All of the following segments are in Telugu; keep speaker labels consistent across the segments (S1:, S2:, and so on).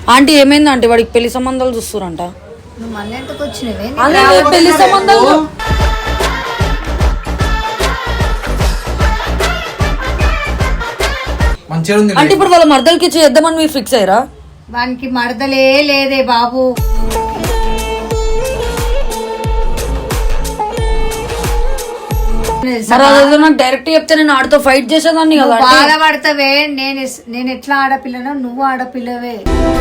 S1: ఆంటీ ఏమైంది ఆంటీ? వాడికి పెళ్లి సంబంధాలు చూస్తురంట.
S2: నువ్వు మళ్ళీ ఎంతకు వచ్చినవే?
S1: పెళ్లి సంబంధాలు అంటే ఇప్పుడు వాళ్ళ మర్దలకి చేద్దామని మీరు ఫిక్స్ అయ్యారా?
S2: వానికి మరదలే లేదే బాబు.
S1: నాకు డైరెక్ట్ చెప్తే నేను ఆడితో ఫైట్ చేసేదాన్ని కదా.
S2: బాధపడతావే. నేను ఎట్లా ఆడపిల్లనో నువ్వు ఆడపిల్లవే.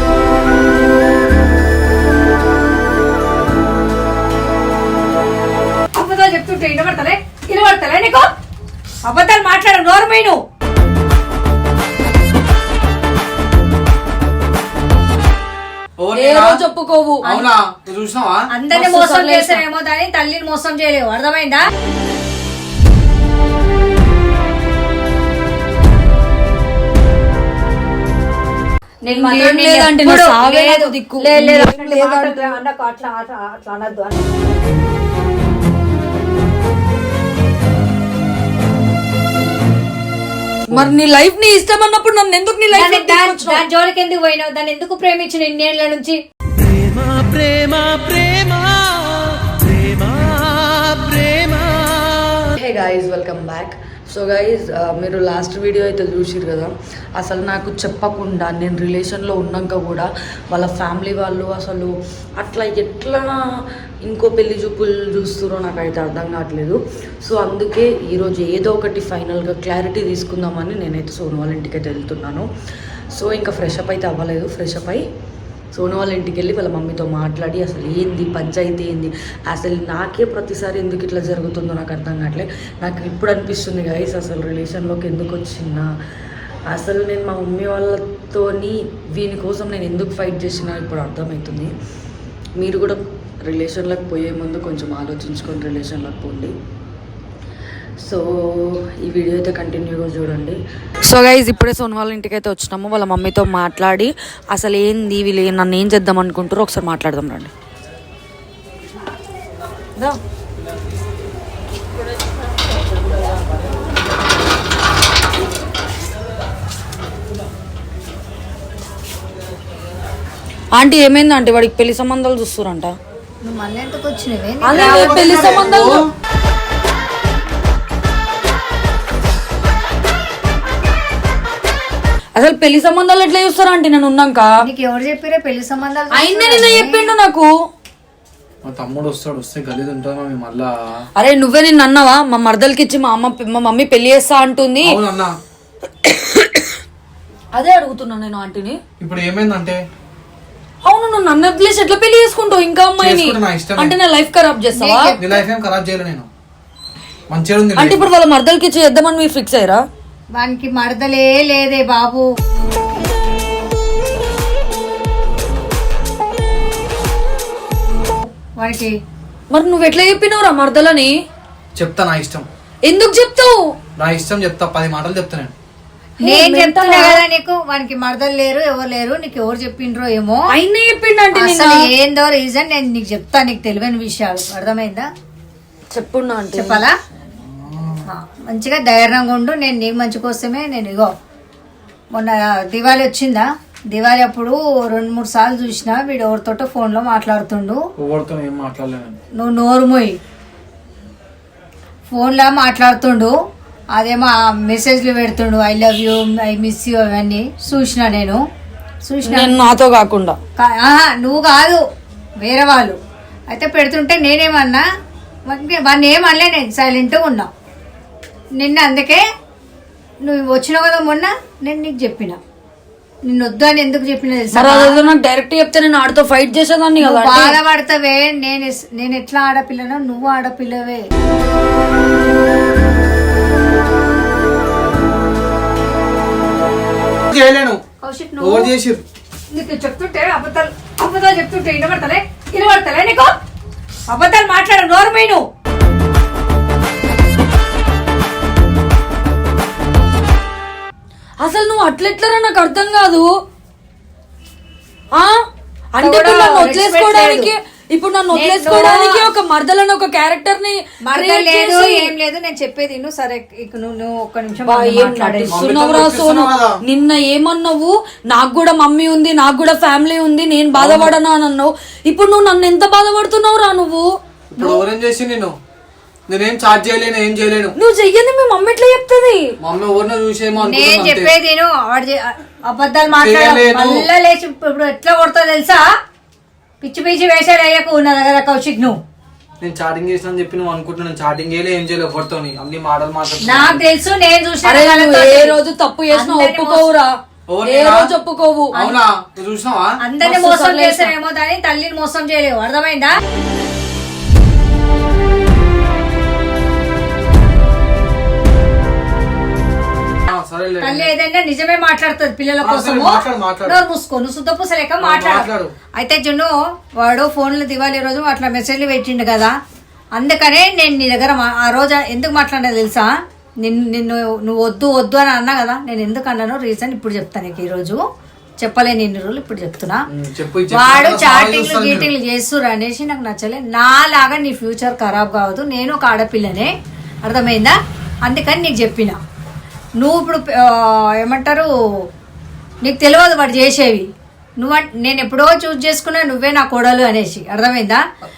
S2: అబద్ధాలు చెప్తుంటే వినబడతలే నీకు? అబద్ధాలు మాట్లాడ నోరమైను.
S1: చెప్పుకోవు.
S2: అందరిని మోసం చేసావేమో దాని తల్లిని మోసం చేయలేవు. అర్థమైందా?
S1: మరి నీ లైఫ్ నీ ఇష్టం అన్నప్పుడు నన్ను ఎందుకు నీ లైఫ్
S2: దాని జోలికి ఎందుకు పోయినావు? దాన్ని ఎందుకు ప్రేమించిన ఇన్నేళ్ల నుంచి?
S1: Hey guys, welcome back. So guys, మీరు లాస్ట్ వీడియో అయితే చూసిరు కదా. అసలు నాకు చెప్పకుండా నేను రిలేషన్లో ఉన్నాక కూడా వాళ్ళ ఫ్యామిలీ వాళ్ళు అసలు అట్లా ఎట్లా ఇంకో పెళ్లి చూపులు చూస్తారో నాకైతే అర్థం కావట్లేదు. సో అందుకే ఈరోజు ఏదో ఒకటి ఫైనల్గా క్లారిటీ తీసుకుందామని నేనైతే సోను వాళ్ళ ఇంటికి అయితే వెళ్తున్నాను. సో ఇంకా ఫ్రెష్ అప్ అయితే అవ్వలేదు. ఫ్రెష్ అప్ అయి సోను వాళ్ళ ఇంటికి వెళ్ళి వాళ్ళ మమ్మీతో మాట్లాడి అసలు ఏంది పంచాయతీ ఏంది, అసలు నాకే ప్రతిసారి ఎందుకు ఇట్లా జరుగుతుందో నాకు అర్థం కావట్లేదు. నాకు ఇప్పుడు అనిపిస్తుంది గైస్, అసలు రిలేషన్లోకి ఎందుకు వచ్చినా, అసలు నేను మా మమ్మీ వాళ్ళతోని వీని కోసం నేను ఎందుకు ఫైట్ చేసినా ఇప్పుడు అర్థమవుతుంది. మీరు కూడా రిలేషన్లోకి పోయే ముందు కొంచెం ఆలోచించుకొని రిలేషన్లోకి పోండి. సో ఈ వీడియో అయితే కంటిన్యూగా చూడండి. సో గైజ్, ఇప్పుడే సోను వాళ్ళ ఇంటికి అయితే వచ్చినాము. వాళ్ళ మమ్మీతో మాట్లాడి అసలు ఏంది వీళ్ళు నన్ను ఏం చేద్దాం అనుకుంటారో ఒకసారి మాట్లాడదాం రండి. ఆంటీ ఏమైంది ఆంటీ? వాడికి పెళ్లి సంబంధాలు చూస్తురంట.
S2: నువ్వు మళ్ళీ ఎంతకు వచ్చినవే?
S1: పెళ్లి సంబంధాలు అసలు పెళ్లి సంబంధాలు ఎట్లా చూస్తారా అంటే నేను ఉన్నాక?
S2: నీకు ఎవరు చెప్పారా పెళ్లి సంబంధాలు?
S1: అయినా నిన్న చెప్పిండు నాకు.
S3: మా తమ్ముడు వస్తే గలీజ్ ఉంటామా మళ్ళా?
S1: అరే నువ్వే నిన్ను అన్నావా మా మరదలకి ఇచ్చి మా మమ్మీ పెళ్లి చేస్తా అంటుంది. అదే అడుగుతున్నా నేను ఆంటీని.
S3: ఇప్పుడు ఏమైందంటే?
S1: అవును, నువ్వు నన్ను వదిలేసి ఎట్లా పెళ్లి చేసుకుంటావు ఇంకా అమ్మాయిని? అంటే నా లైఫ్ ఖరాబ్ చేస్తావా?
S3: నీ లైఫ్ ఏం ఖరాబ్ చేయలే నేను. మంచిగా ఉంది.
S1: అంటే ఇప్పుడు వాళ్ళ మరదలకి ఇచ్చి చేద్దామని మీరు ఫిక్స్ అయ్యారా?
S2: వానికి మరదలే లేదే బాబు. వానికి
S1: మరి నువ్వు ఎట్లా చెప్పినావురా మరదలని?
S3: చెప్తా, నా ఇష్టం.
S1: ఎందుకు చెప్తావు?
S3: నా ఇష్టం చెప్తా, 10 మాటలు చెప్తా
S2: నేను చెప్తున్నా కదా నీకు. వానికి మరదలు లేరు, ఎవరు లేరు. నీకు ఎవరు చెప్పిండ్రో ఏమో.
S1: అయినా చెప్పిండు అంటే
S2: అసలు ఏందో రీజన్ నేను నీకు చెప్తా. నీకు తెలియని విషయాలు. అర్థమైందా?
S1: చెప్పున్నా అంటే
S2: చెప్పాలా? మంచిగా ధైర్యంగా ఉండు. నేను నీ మంచి కోసమే. నేను ఇగో మొన్న దివాళీ వచ్చిందా, దివాళీ అప్పుడు 2-3 సార్లు చూసినా వీడు ఎవరితోటో ఫోన్లో మాట్లాడుతుండు. నువ్వు నోరు మూయి. ఫోన్లో మాట్లాడుతుండు. అదేమో మెసేజ్లు పెడుతుండు, I love you, I miss you, అవన్నీ చూసినా నేను. చూసినా
S1: నాతో కాకుండా.
S2: నువ్వు కాదు, వేరే వాళ్ళు అయితే పెడుతుంటే నేనేమన్నా వాడిని ఏమనలే. నేను సైలెంట్గా ఉన్నా. నిన్న అందుకే నువ్వు వచ్చినావు కదా మొన్న, నేను నీకు చెప్పిన. నిన్ను వద్దు అని ఎందుకు చెప్పిన తెలుసా?
S1: నాకు డైరెక్ట్ చెప్తే నేను ఆడితో ఫైట్ చేసేదాన్ని కదా.
S2: బాధపడతావే. నేను ఎట్లా ఆడపిల్లనో నువ్వు ఆడపిల్లవే. నీకు చెప్తుంటే అబద్ధాలు చెప్తుంటే వినబడతలే నీకు? అబద్ధాలు మాట్లాడ నోరమైను.
S1: అసలు నువ్వు అట్లెట్లరా నాకు అర్థం కాదు. అంటే నన్ను వదిలేసుకోవడానికి ఇప్పుడు నన్ను వదిలేసుకోవడానికి ఒక మర్దలని ఒక క్యారెక్టర్ ని
S2: మరదలు లేదు ఏం లేదు. నేను చెప్పేది నువ్వు సరే నువ్వు ఒక్క నిమిషం
S1: నటిస్తున్నావురా సోను. నిన్న ఏమన్నావు, నాకు కూడా మమ్మీ ఉంది, నాకు కూడా ఫ్యామిలీ ఉంది, నేను బాధపడను అని అన్నావు. ఇప్పుడు నువ్వు నన్ను ఎంత బాధపడుతున్నావురా నువ్వు?
S3: ఎవరేం చేసి నేనేం చార్జ్ చేయలేను, ఏం చేయలేను.
S1: నువ్వు చెయ్యని మీ మమ్మీ ఎట్లా చెప్తుంది?
S3: మమ్మీ ఎవరినో చూసేమో
S2: నేను చెప్పేది అబద్ధాలు మాట్లాడాలి మళ్ళా లేచి ఇప్పుడు ఎట్లా కొడతా తెలుసా? పిచ్చి పిచ్చి వేసాడు అయ్యకు ఉన్న దగ్గర కౌశిక్ నువ్వు.
S3: నేను చాటింగ్ చేసిన చెప్పి నువ్వు అనుకుంటున్నాను. చాటింగ్ చేయలే, ఏం చేయలేదు ఎవరితో, అన్ని మాటలు
S2: నాకు తెలుసు. నేను చూసాను
S1: ఏ రోజు తప్పు చేసినా ఒప్పుకోవురా, ఏ రోజు ఒప్పుకోవు.
S3: అవునా? నువ్వు చూసినావా?
S2: అందరిని మోసం చేసావేమో కానీ తల్లిని మోసం చేయలేవు, అర్థమైందా? తల్లి ఏదైనా నిజమే మాట్లాడుతుంది పిల్లల కోసం. నోరు మూసుకో, నువ్వు శుద్ధ పూసలేక మాట్లాడు. అయితే జున్ను వాడు ఫోన్లు దివాళీ రోజు అట్లా మెసేజ్లు పెట్టిండు కదా, అందుకనే నేను నీ దగ్గర ఆ రోజు ఎందుకు మాట్లాడినా తెలుసా? నిన్ను నువ్వు వద్దు వద్దు అని అన్నా కదా, నేను ఎందుకు అన్నానో రీజన్ ఇప్పుడు చెప్తాను నీకు. ఈ రోజు చెప్పలేని ఇన్ని రోజులు ఇప్పుడు చెప్తున్నా. వాడు చాటింగ్లు గీటింగ్లు చేస్తురు అనేసి నాకు నచ్చలే. నాలాగా నీ ఫ్యూచర్ ఖరాబ్ కావద్దు, నేను ఒక ఆడపిల్లనే, అర్థమైందా? అందుకని నీకు చెప్పిన. నువ్వు ఇప్పుడు ఏమంటారు, నీకు తెలియదు వాడు చేసేవి. నేను ఎప్పుడో చూస్ చేసుకున్నా నువ్వే నా కోడలు అనేసి, అర్థమైందా?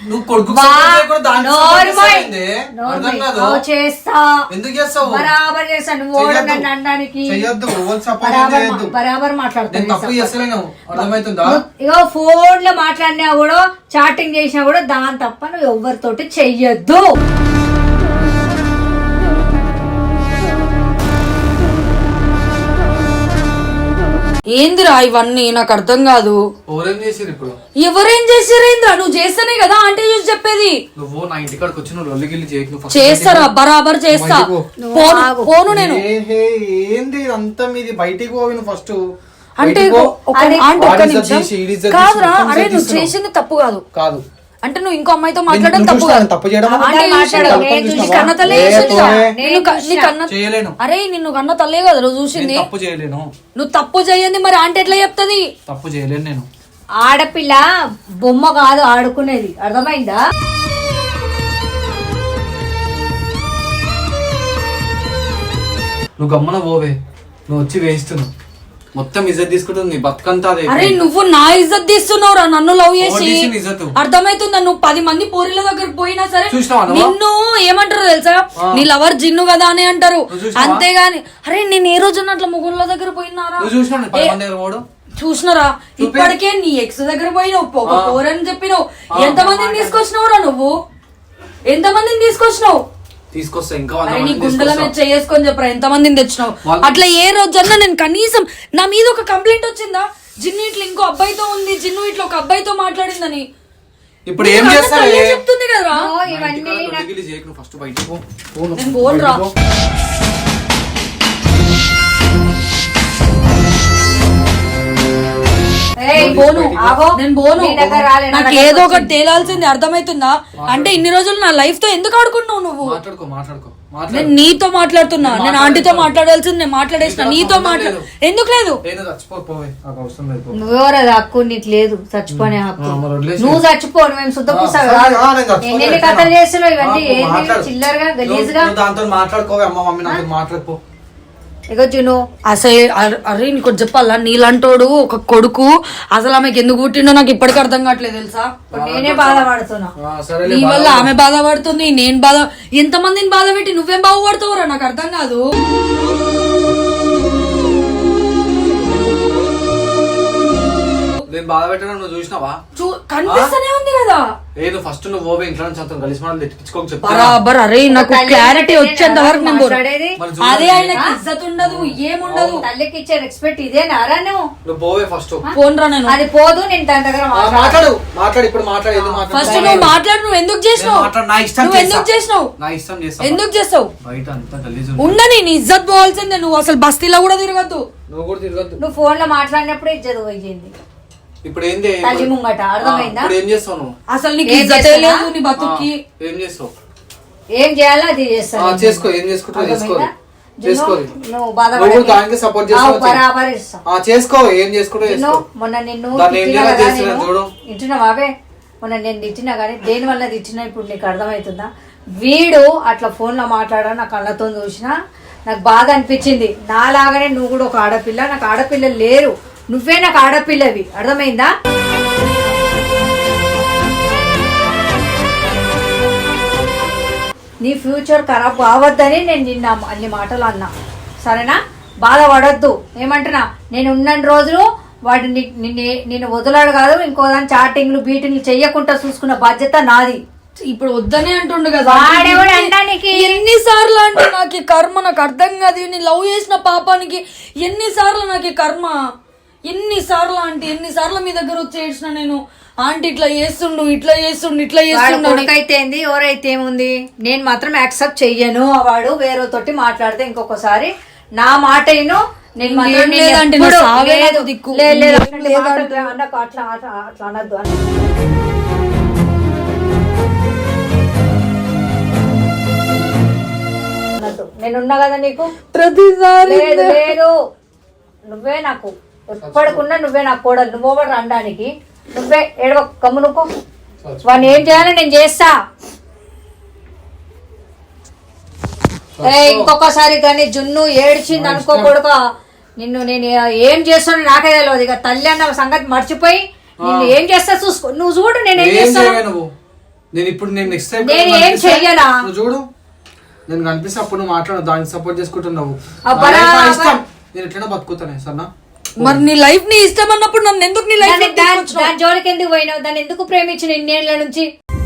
S2: చేస్తా బరాబర్ చేస్తా. నువ్వు నన్ను అనడానికి బరాబర్ మాట్లాడుతున్నావు. ఇగో ఫోన్ లో మాట్లాడినా కూడా చాటింగ్ చేసినా కూడా దాని తప్ప నువ్వు ఎవరితోటి చెయ్యొద్దు.
S1: ఏందిరా ఇవన్నీ నాకు అర్థం కాదు. ఎవరేం చేసారేంద్రా? నువ్వు చేస్తేనే కదా ఆంటీ చూసి చెప్పేది.
S3: నువ్వు నా ఇంటికాడికి వచ్చి నువ్వు లొల్లిగిల్లి చేయకు.
S1: చేస్తారా? బరాబర్ చేస్తా. పోను నేను.
S3: ఏంది అంతా మీది? బయటికి పోవి నువ్వు ఫస్ట్.
S1: అంటే కాదురా, అరే నువ్వు చేసింది తప్పు కాదు
S3: కాదు
S1: అంటే నువ్వు ఇంకో అమ్మాయితో మాట్లాడడం తప్పు కాదు. అరే నిన్ను కన్న తల్లే కదా నువ్వు చూసింది. నువ్వు తప్పు చేయండి మరి ఆంటీ ఎట్లా చెప్తుంది?
S3: తప్పు చేయలేను నేను.
S2: ఆడపిల్ల బొమ్మ కాదు ఆడుకునేది, అర్థమైందా?
S3: నువ్వు గమ్మన పోవే, నువ్వు వచ్చి వేస్తున్నావు. మొత్తం ఇజ్జత్ తీసుకుంటుంది నీ బతుకంతా.
S1: అరే నువ్వు నా ఇజ్జత్ తీస్తున్నావురా నన్ను లవ్ చేసి. అర్థమైతుందా? నువ్వు 10 మంది పోరీల దగ్గరకు పోయినా సరే నిన్ను ఏమంటారు తెలుసా? నీ లవర్ జిన్ను కదా అని అంటారు, అంతేగాని అరే నేను ఏ రోజు అట్లా ముగ్గురుల దగ్గర పోయినారా? చూసినారా? ఇప్పటికే నీ ఎక్స్ దగ్గర పోయినావు, ఒక పోరని చెప్పినావు. ఎంతమందిని తీసుకొచ్చినావురా నువ్వు? ఎంతమందిని తీసుకొచ్చినావు?
S3: తీసుకొస్తా ఇంకా.
S1: నీ గుండెల మీద చేసుకొని చెప్పరా ఎంత మందిని తెచ్చినావు? అట్లా ఏ రోజన్నా నేను కనీసం నా మీద ఒక కంప్లైంట్ వచ్చిందా? జిన్ను ఇట్లా ఇంకో అబ్బాయితో ఉంది, జిన్ను ఇట్లా ఒక అబ్బాయితో మాట్లాడిందని.
S3: ఇప్పుడు ఏం చేస్తావు?
S1: చెప్తుంది కదా. నేను పోన్రా. నాకు ఏదో ఒకటి తేలాల్సింది, అర్థమైతుందా? అంటే ఇన్ని రోజులు నా లైఫ్ తో ఎందుకు ఆడుకున్నావు నువ్వు? నేను నీతో మాట్లాడుతున్నా, నేను ఆంటీతో మాట్లాడాల్సింది నేను మాట్లాడేసిన, నీతో మాట్లాడు ఎందుకు లేదు?
S2: నువ్వెవరది హక్కు? నీకు లేదు చచ్చిపోనే హక్కు. నువ్వు చచ్చిపోను, మేము శుద్ధ పూసావు. ఎన్ని కథలు చేస్తున్నావు ఇవన్నీ చిల్లరగా గలీజ్గా.
S3: దాంతో మాట్లాడుకోవే అమ్మ, మమ్మీ నాతో మాట్లాడుకో.
S1: అసలు అరే నీకు చెప్పాలా, నీలాంటోడు ఒక కొడుకు అసలు ఆమెకి ఎందుకు పుట్టిండో నాకు ఇప్పటికీ అర్థం కావట్లేదు తెలుసా?
S2: నేనే బాధపడుతున్నా
S1: నీ వల్ల. ఆమె బాధపడుతుంది, నేను ఎంతమందిని బాధ పెట్టి నువ్వేం బాగుపడతావురా నాకు అర్థం కాదు.
S3: నేను బాధ పెట్టడం నువ్వు చూసినావా?
S1: కనిపిస్తూనే ఉంది కదా.
S3: ఏదో ఫస్ట్ నువ్వు పోవే ఇంట్లో నుంచి అంతా కలిసి మనం తెచ్చుకోక చెప్తా.
S1: బరాబర్. అరే నాకు క్లారిటీ వచ్చేంత వరకు నేను అదే ఆయనకి ఇజ్జత్ ఉండదు, ఏముండదు.
S2: తల్లికి ఇచ్చే రెస్పెక్ట్ ఇదే నారా?
S3: నువ్వు పోవే ఫస్ట్.
S1: ఫోన్ రా. నేను
S2: అది పోదు, నేను దాని దగ్గర
S3: మాట్లాడు. ఇప్పుడు మాట్లాడు.
S1: ఫస్ట్ నువ్వు మాట్లాడు. నువ్వు ఎందుకు చేసినావు? నువ్వు ఎందుకు చేసినావు?
S3: నా ఇష్టం చేస్తావు.
S1: ఎందుకు చేస్తావు?
S3: బయట అంతా గలీజ్
S1: ఉండని, నీ ఇజ్జత్ పోవాల్సిందే. నువ్వు అసలు బస్తీలో కూడా తిరగద్దు.
S3: నువ్వు కూడా తిరగద్దు.
S2: నువ్వు ఫోన్ లో మాట్లాడినప్పుడు ఇజ్జత్ పోయింది.
S3: ఇప్పుడు ఏంది
S2: తల్లి ముంగట, అర్థమైందా?
S3: ఏం చేస్తావు నువ్వు?
S1: అసలు నీకు ఇజ్జతే లేదు నీ బతుక్కి.
S3: ఏం చేస్తావు?
S2: ఏం చేయాలో అది చేస్తావు.
S3: చేసుకో, ఏం చేసుకుంటావు చేసుకో.
S2: నువ్వు బాధపడకు,
S3: దానికి సపోర్ట్ చేస్తావు.
S2: బరాబర్ ఇస్తావు.
S3: చేసుకో, ఏం చేసుకుంటావు చేసుకో.
S2: మొన్న నిన్ను
S3: చూడు
S2: ఇంటున్నావావే, మొన్న నేను తిట్టినా కానీ దేని వల్ల తిట్టినా ఇప్పుడు నీకు అర్థమవుతుందా? వీడు అట్లా ఫోన్లో మాట్లాడా నా కళ్ళతో చూసినా నాకు బాధ అనిపించింది. నాలాగానే నువ్వు కూడా ఒక ఆడపిల్ల, నాకు ఆడపిల్లలు లేరు, నువ్వే నాకు ఆడపిల్లవి, అర్థమైందా? నీ ఫ్యూచర్ ఖరాబ్ కావద్దని నేను నిన్న అన్ని మాటలు అన్నా, సరేనా? బాధపడొద్దు. ఏమంటున్నా, నేను ఉన్న రోజులు వాడు నిన్ను వదలాడు కాదు, ఇంకో దాని చాటింగ్లు బీటింగ్లు చెయ్యకుండా చూసుకున్న బాధ్యత నాది.
S1: ఇప్పుడు వద్దనే అంటుండు కదా.
S2: వాడెవడు అంటానికి?
S1: ఎన్నిసార్లు అంటే నాకు ఈ కర్మ, నాకు అర్థం కాదు. నేను లవ్ చేసిన పాపానికి ఎన్నిసార్లు నాకు ఈ కర్మ, ఎన్నిసార్లు అంటే ఎన్నిసార్లు మీ దగ్గర వచ్చి ఏడ్చిన నేను. ఆంటీ ఇట్లా చేస్తుండు, ఇట్లా చేస్తుండు, ఇట్లా చేస్తుండు.
S2: కొడుకైతే ఏంది, ఎవరైతే ఏముంది, నేను మాత్రం యాక్సెప్ట్ చెయ్యను. వాడు వేరే తోటి మాట్లాడితే ఇంకొకసారి నా మాట నేను అట్లా అనద్దు అని. నేనున్నా కదా నీకు
S1: ప్రతిసారి.
S2: లేదు నువ్వే నాకు ఎప్పటికున్నా, నువ్వే నాకు కోడలు, నువ్వు రండానికి, నువ్వే ఏడవ కమ్మునుకో. వాడిని ఏం చేయాలో నేను చేస్తా. ఇంకొకసారి కానీ జున్ను ఏడ్చింది అనుకో కొడుక, నిన్ను నేను ఏం చేస్తాను నాకే తెలియదు. ఇక తల్లి అన్న సంగతి మర్చిపోయి నిన్ను ఏం చేస్తా చూసుకో. నువ్వు చూడు నేను ఏం చేస్తాను.
S3: నేను ఇప్పుడు
S2: నేను ఏం చెయ్యనా
S3: చూడు, నేను కనిపిస్తే అప్పుడు నువ్వు మాట్లాడు, దానికి సపోర్ట్ చేసుకుంటున్నావు. నేను ఎట్లా బతుకుతానే సన్నా.
S1: మరి నీ లైఫ్ నీ ఇష్టం అన్నప్పుడు నన్ను ఎందుకు నీ లైఫ్
S2: దాని జోలికి ఎందుకు పోయినావు? దాన్ని ఎందుకు ప్రేమించిన ఇన్నేళ్ల నుంచి?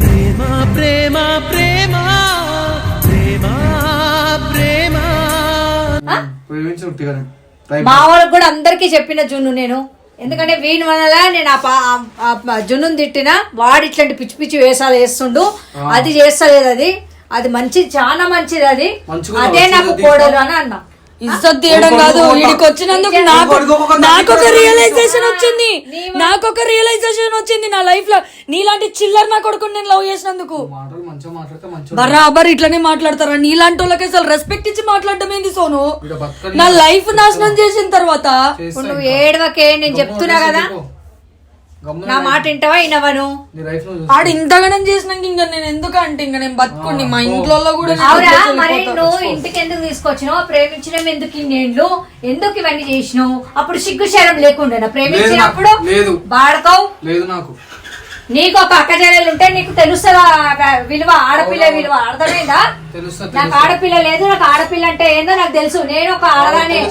S2: మా వాళ్ళకి కూడా అందరికి చెప్పిన జున్ను నేను, ఎందుకంటే వీని వల్ల నేను ఆ జున్నుని తిట్టినా వాడు ఇట్లాంటి పిచ్చి పిచ్చి వేషాలు వేస్తుండు. అది చేస్తలేదు, అది మంచిది, చాలా మంచిది, అదే నాకు కోడలు అని అన్నా.
S1: ఇజ్జత్ తీయడం కాదు, వీడికి వచ్చినందుకు నాకొక రియలైజేషన్ వచ్చింది నా లైఫ్ లో. నీలాంటి చిల్లర్ నా కొడుకుని నేను లవ్ చేసినందుకు. బరాబర్ ఇట్లనే మాట్లాడతారా? నీలాంటి వాళ్ళకి అసలు రెస్పెక్ట్ ఇచ్చి మాట్లాడడం ఏంది సోను? నా లైఫ్ నాశనం చేసిన తర్వాత
S2: నువ్వు ఏడవకే, నేను చెప్తున్నా కదా, నా మాట వింటావా వినవను?
S1: ఆడు ఇంతగానం చేసినాక ఇంకా నేను ఎందుకు అంటే ఇంకా నేను బతుకుని మా ఇంట్లో కూడా.
S2: మరి నువ్వు ఇంటికి ఎందుకు తీసుకొచ్చినావు? ప్రేమించడం ఎందుకు ఇన్నేళ్ళు, ఎందుకు ఇవన్నీ చేసినావు? అప్పుడు సిగ్గు శరం లేకుండా ప్రేమించినప్పుడు బాడకవు
S3: లేదు. నాకు
S2: నీకు ఒక అక్క చెల్లెలు ఉంటే నీకు తెలుస్తుందా విలువ, ఆడపిల్ల విలువ, అర్థమైందా? నాకు ఆడపిల్ల లేదు, నాకు ఆడపిల్ల అంటే ఏందో నాకు తెలుసు. నేను ఒక ఆడదానే.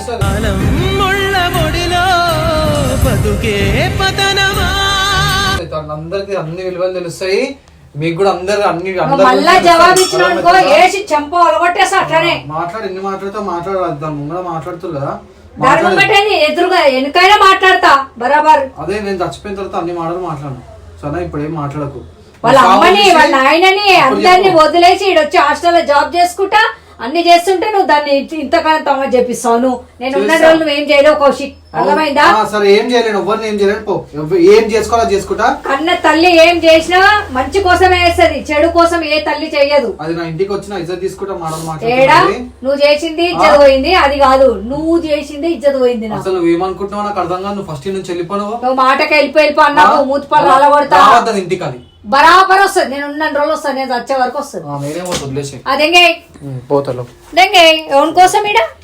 S3: అందరికి అన్ని విలువలు తెలుస్తాయి, మీకు కూడా అందరు అన్ని
S2: మళ్ళా జవాబు ఇచ్చినానుకో ఏసి చెంప అలగొట్టేస్తా. అట్లనే
S3: మాట్లాడి ఎన్ని మాట్లాడతాం ముందు మాట్లాడుతుంది కదా,
S2: ఎదురుగా వెనుకైనా మాట్లాడతా బరాబర్.
S3: అదే నేను చచ్చిపోయిన తర్వాత అన్ని మాటలు మాట్లాడను సరే. ఇప్పుడు ఏం మాట్లాడకు.
S2: వాళ్ళ అమ్మని వాళ్ళ నాయనని అందరినీ వదిలేసి ఈడొచ్చి హాస్టల్లో జాబ్ చేసుకుంటా అన్ని చేస్తుంటే నువ్వు దాన్ని ఇంతకాలం తమ చెప్పిస్తావు. నువ్వు నేను ఉన్న రోజులు నువ్వు ఏం చేయలేవు కౌశిక్, అర్థమైందా?
S3: సరే ఏం చేయలేను, ఎవరిని ఏం చేయలేను, పో. ఏం చేసుకోవాలో చేసుకుంటా.
S2: కన్న తల్లి ఏం చేసినా మంచి కోసమే వేస్తుంది, చెడు కోసం ఏ తల్లి చెయ్యదు.
S3: అది నా ఇంటికి వచ్చిన ఇజ్జత్ తీసుకుంటా.
S2: ఏడా నువ్వు చేసింది ఇజ్జత్ పోయింది, అది కాదు నువ్వు చేసింది ఇజ్జత్ పోయింది.
S3: అసలు నువ్వు ఏమనుకుంటున్నావు నాకు అర్థం కాదు. నువ్వు ఫస్ట్ నుంచి వెళ్ళిపోను,
S2: నువ్వు మాటకి వెళ్ళిపో అన్నావు, మూతిపళ్ళు అలగొడతా.
S3: ఇంటికి అది
S2: బరాబర్ వస్తుంది. నేను ఉన్న రోజులు వస్తాను, నేను వచ్చే వరకు వస్తుంది.
S3: నేనే వదిలేసి
S2: అదెంగే
S3: పోతాను
S2: ఎవరి కోసం ఈడ